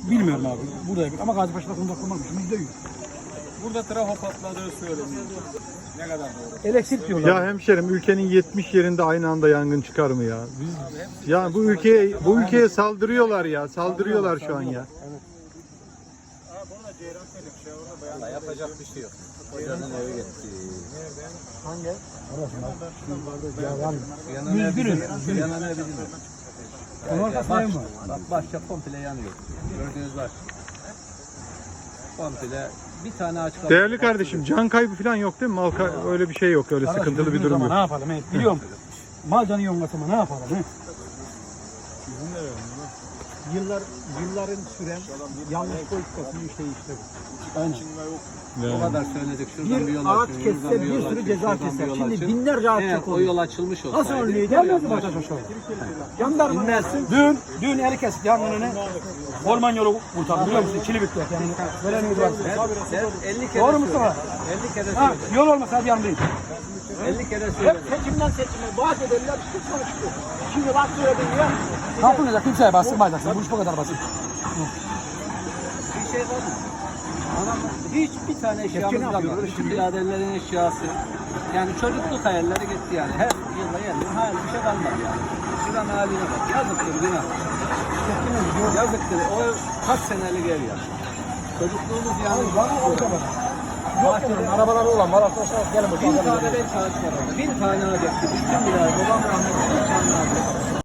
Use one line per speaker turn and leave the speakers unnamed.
Bilmiyorum abi. Buradayım ama Gazipaşa'da kontak kurmakmış. %100.
Burada trafo patladığı söyleniyor. Ne kadar doğru?
Elektrik diyorlar.
Ya hemşerim ülkenin 70 yerinde aynı anda yangın çıkar mı ya? Biz ya bu ülkeye saldırıyorlar ya. Saldırıyorlar şu an ya.
Valla yapacak bir şey yok. Hocanın evi gitti.
Hangi?
Yanan ev bizim. Yanan ev bizim.
Onun arkasındayım mı?
Bak başça komple yanıyor. Gördüğünüz var. Komple bir tane ağaç kaldı.
Değerli kardeşim can kaybı falan yok değil mi? Öyle bir şey yok. Öyle sıkıntılı bir durum yok.
Ne yapalım? Biliyorum. Mal canı yongasama ne yapalım?
Yılların süren yanlış politikasının işte bu.
O kadar söyledik. Şuradan bir yol
Bir ağaç
açın,
kesse
şuradan
bir
yol
sürü
açın,
ceza
şuradan bir
keser.
yol
Şimdi
açın.
binlerce ağaç
Eğer
çok
o
oluyor.
yol açılmış olsaydı.
Nasıl önlüyor? Gelmez mi Bataş aşağı? Jandarma
İnmezsin.
Dün eli kesip yangınını orman yolu kurtardı biliyor musun? Kilibikler yani. Veren yolu var.
Sen 50 kere
Doğru Mustafa?
50 kere
Ha,
söyledin.
yol olmasa bir yandayım.
50 kere
hep
söyledin.
seçimden seçime vaat ederler çıkıyor çıkıyor. Şimdi bak söyledin ya.
Ne yapılacak? Kimseye bastırmayacaksın. Bu iş bu kadar basit.
Bir şey var mı? Anam hiçbir tane eşyamız
Hepsini
kalmadı.
yapıyorlar.
Bütün biraderlerin eşyası. Yani çocukluk hayalleri gitti yani. Her yılda geliyor. Hayal bir şey kalmadı yani. Şuranın haline bak. Yazıktır günah. Yazıktır. O kaç senelik ev ya. Çocukluğumuz yani.
Bahçede arabaları olan var arkadaşlar. Gelin bakalım.
1000 tane belki ağaç var orada. 1000 tane ağaç. Bütün birader. Babam rahmetli 1000 tane ağaç.